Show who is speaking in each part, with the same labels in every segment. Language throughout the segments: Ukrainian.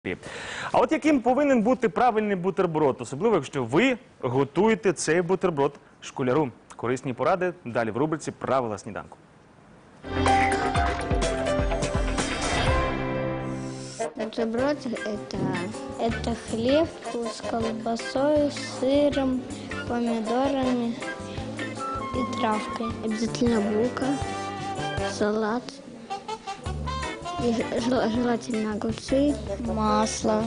Speaker 1: А от яким повинен бути правильний бутерброд, особливо якщо ви готуєте цей бутерброд школяру? Корисні поради далі в рубриці «Правила сніданку».
Speaker 2: Бутерброд – это хлеб с колбасой, сыром, помидорами и травкой. Обязательно булка, салат, и желательно огурцы, масло,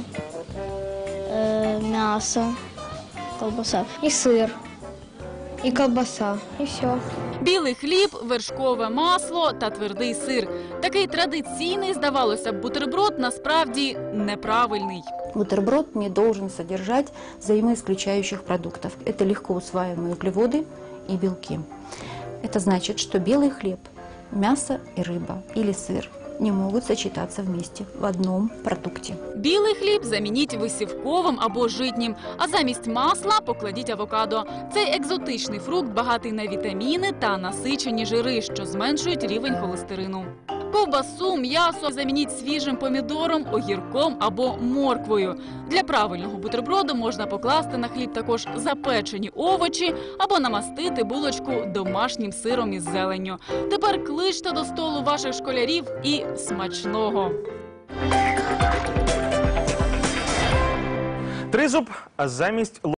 Speaker 2: мясо, колбаса и сыр, и колбаса, и все.
Speaker 3: Білий хліб, вершкове масло та твердий сир. Такий традиційний, здавалося б, бутерброд насправді неправильний.
Speaker 4: Бутерброд не должен содержать взаимоисключающих продуктов. Это легко усваиваемые углеводы и белки. Это значит, что белый хлеб, мясо и рыба или сыр не могут сочетаться вместе в одном продукте.
Speaker 3: Білий хліб замініть висівковим або житнім, а замість масла покладіть авокадо. Цей екзотичний фрукт багатий на вітаміни та насичені жири, що зменшують рівень холестерину. Ковбасу, м'ясо замініть свіжим помідором, огірком або морквою. Для правильного бутерброду можна покласти на хліб також запечені овочі або намастити булочку домашнім сиром із зеленню. Тепер кличте до столу ваших школярів і смачного!
Speaker 1: Тризуб замість